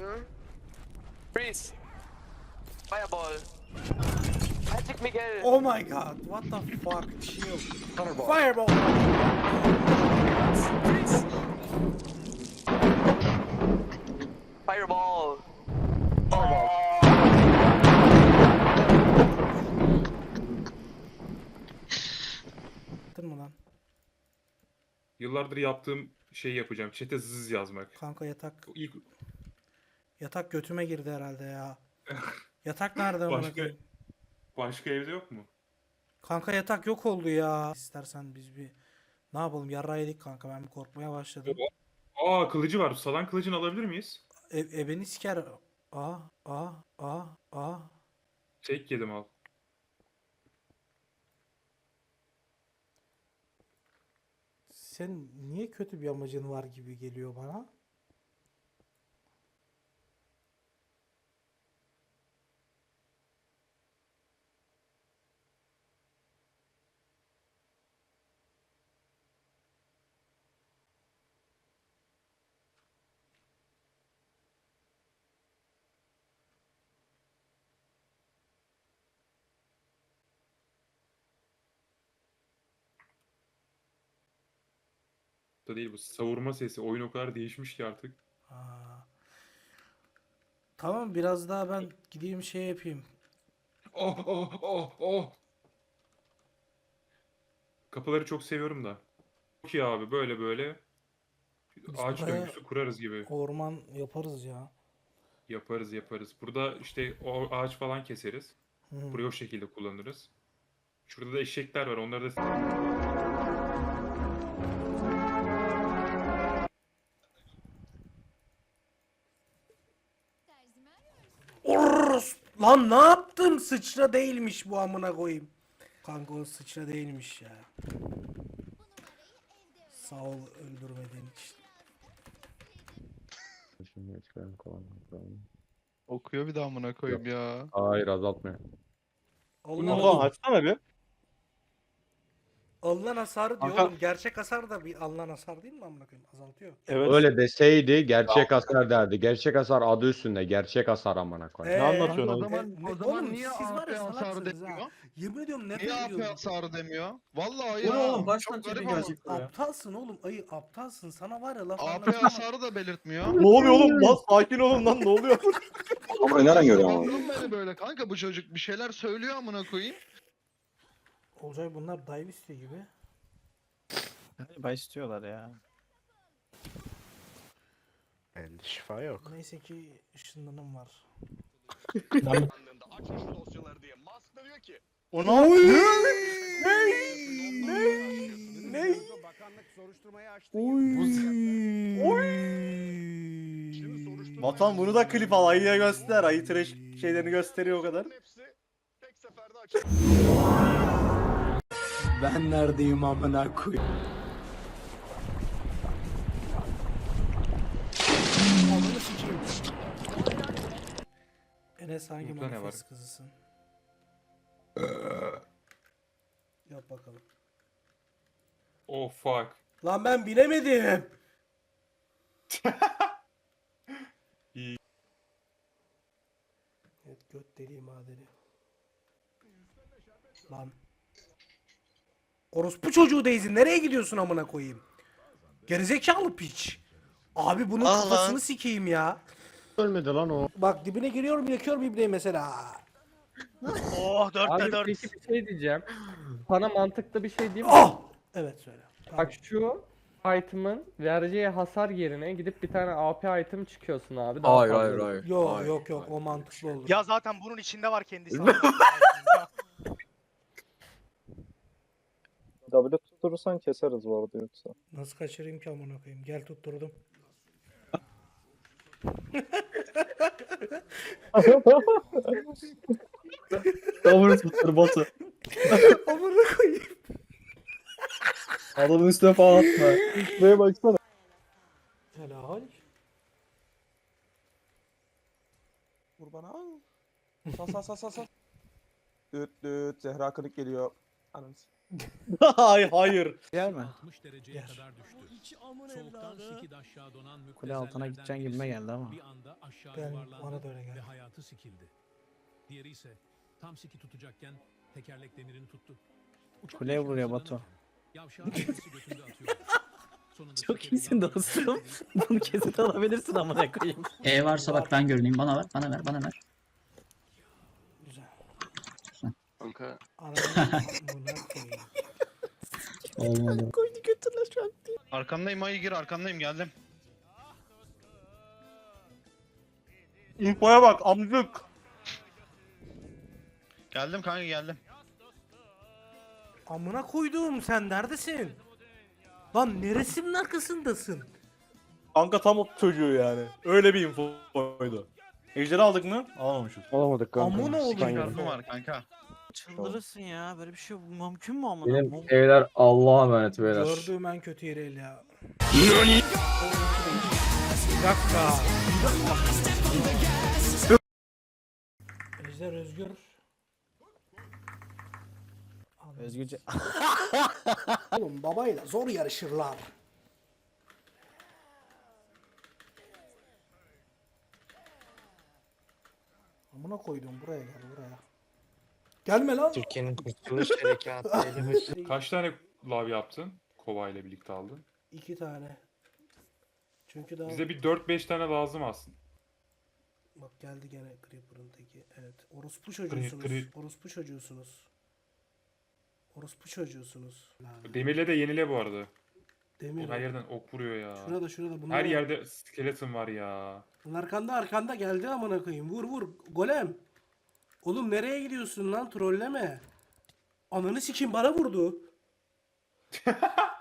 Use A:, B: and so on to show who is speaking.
A: Freeze. Fireball. Magic Miguel.
B: Oh my god, what the fuck, chill.
A: Thunderbolt.
B: Fireball.
A: Freeze. Fireball.
B: Attın mı lan?
C: Yıllardır yaptığım şeyi yapacağım. Chat'e zız yazmak.
B: Kanka yatak
C: İlk
B: yatak götüme girdi herhalde ya. Yatak nerede amına
C: başka
B: koyayım?
C: başka evde yok mu?
B: Kanka yatak yok oldu ya. İstersen biz bir ne yapalım, yarrağı yedik kanka, ben bir korkmaya başladım.
C: Aa, kılıcı var. Salan kılıcını alabilir miyiz?
B: Beni siker. Aa.
C: Tek yedim al.
B: Sen niye kötü bir amacın var gibi geliyor bana?
C: Da değil bu savurma sesi. Oyun o kadar değişmiş ki artık.
B: Aa. Tamam, biraz daha ben gideyim şey yapayım.
C: Oh. Kapıları çok seviyorum da. Çok iyi abi, böyle
B: Biz
C: ağaç
B: buraya
C: döngüsü kurarız gibi.
B: orman yaparız ya.
C: Yaparız. Burada işte o ağaç falan keseriz.
B: Hı.
C: Burayı o şekilde kullanırız. Şurada da eşekler var. Onları da
B: Orros! Lan ne yaptım? Sıçra değilmiş bu, amına koyayım. Kanka o sıçra değilmiş ya. Sağ ol öldürmediğin için.
D: Şimdi çıkarım kullanmak.
E: Okuyor bir daha amına koyayım ya.
D: Hayır, azaltmıyor.
B: Allah
F: açsana bir.
B: alınan hasarı diyor
F: Kanka-
B: oğlum. Gerçek hasar da bir alınan hasar değil mi amına koyayım? Azaltıyor.
F: Evet.
D: Öyle deseydi gerçek hasar derdi. Gerçek hasar adı üstünde. Gerçek hasar amına koyayım.
F: Ne anlatıyorsun
E: O
F: abi?
E: zaman,
B: Ne-
E: o zaman
B: oğlum,
E: niye
B: siz var
E: AP
B: ya
E: hasarı
B: salaksınız ha.
E: demiyor?
B: Yemin ediyorum nefret
E: Niye AP
B: ediyorum.
E: hasarı demiyor? Vallahi
G: Bu
E: ya.
G: ne oğlum? Kaç
E: Çok
G: tane
E: garip
G: çetin
E: ama.
G: gelecek buraya?
B: Aptalsın oğlum, ayı aptalsın. Sana var ya laf
E: AP
B: anlatamam.
E: hasarı da belirtmiyor.
F: Ne oluyor oğlum? Lan sakin olun lan, ne oluyor?
H: Ama nereden görüyor ama?
E: Sabahtan beri böyle kanka bu çocuk bir şeyler söylüyor amına koyayım.
B: Olcay bunlar dive istiyor gibi.
G: Galiba istiyorlar ya.
F: Elde şifa yok.
B: Neyse ki ışınlanım var.
F: O ne yapıyor?
B: Ne?
F: Vatan bunu da klip al, ayıya göster. Ayı trash şeylerini gösteriyor o kadar.
G: Ben neredeyim amına koyayım?
B: Ananı sikeyim. Enes hangi
C: Mutlu ne
B: manifest
C: var?
B: kızısın? Yap bakalım.
C: oh fuck.
B: Lan ben bilemedim.
C: İyi.
B: Evet, göt deliği madeni. Lan. Orospu çocuğu Daisy, nereye gidiyorsun amına koyayım? Gerizekalı piç. Abi bunun kafasını sikeyim ya.
D: Ölmedi lan o.
B: Bak dibine giriyorum, yakıyorum ibneyi mesela.
F: Oh,
I: Abi peki bir şey diyeceğim. Sana mantıklı bir şey diyeyim mi?
B: Oh! Evet söyle. Tamam.
I: Bak şu item'ın vereceği hasar yerine gidip bir tane AP item çıkıyorsun abi. Daha fazla.
B: Yok o mantıklı olur.
F: Ya zaten bunun içinde var kendisi.
H: W tutturursan keseriz bu arada yoksa.
B: Nasıl kaçırayım ki amına koyayım? Gel tutturdum.
G: Davul tuttur botu.
B: Amına koyayım.
G: Adamın üstüne falan atma.
H: Buraya baksana.
B: Helal.
J: Vur bana. Sal. Düt Zehra kırık geliyor. Ananı
F: Hayır hayır.
G: Yer mi?
J: Yer.
G: Kule altına gideceğin gibime geldi ama.
J: Ben bana da öyle geldi.
G: Kuleye vuruyor Batu. Çok iyisin dostum. Bunu kesit alabilirsin amına koyayım.
K: E varsa bak ben görüneyim. Bana ver, bana ver, bana ver.
J: Güzel.
A: Kanka.
J: Ananı amına koyayım.
K: Olmadı.
G: Koydu götürler şu an.
E: Arkandayım ayı gir arkandayım geldim.
F: İnfoya bak amcık.
E: Geldim kanka geldim.
B: Amına koyduğum sen neredesin? Lan neresinin arkasındasın?
F: Kanka tam o çocuğu yani. Öyle bir infoydu. Ejderi aldık mı? Alamamışız.
D: Olamadık kanka.
B: Amına oğlum.
E: Şarkım var kanka.
G: Çıldırırsın ya. Böyle bir şey mümkün mü amına?
D: Benim evler Allah'a emanet beyler.
B: Gördüğüm en kötü yeri el ya. Bir dakika.
J: Ejder Özgür.
G: Özgürce.
B: Oğlum babayla zor yarışırlar. Amına koydum buraya gel buraya. Gelme lan.
A: Türkiye'nin kurtuluş harekatı.
C: Kaç tane lav yaptın? Kova ile birlikte aldın.
B: 2 tane. Çünkü daha...
C: Bize bir 4-5 tane lazım aslında.
B: Bak geldi gene Creeper'ın teki. Evet. Orospu çocuğusunuz. Orospu çocuğusunuz. Orospu çocuğusunuz.
C: Demirle de yenile bu arada.
B: Demir.
C: Her yerden ok vuruyor ya.
B: Şurada. Bunlar
C: Her yerde skeleton var ya.
B: Arkanda geldi amına koyayım. Vur. Golem. Oğlum nereye gidiyorsun lan? Trolleme. Ananı sikim bana vurdu.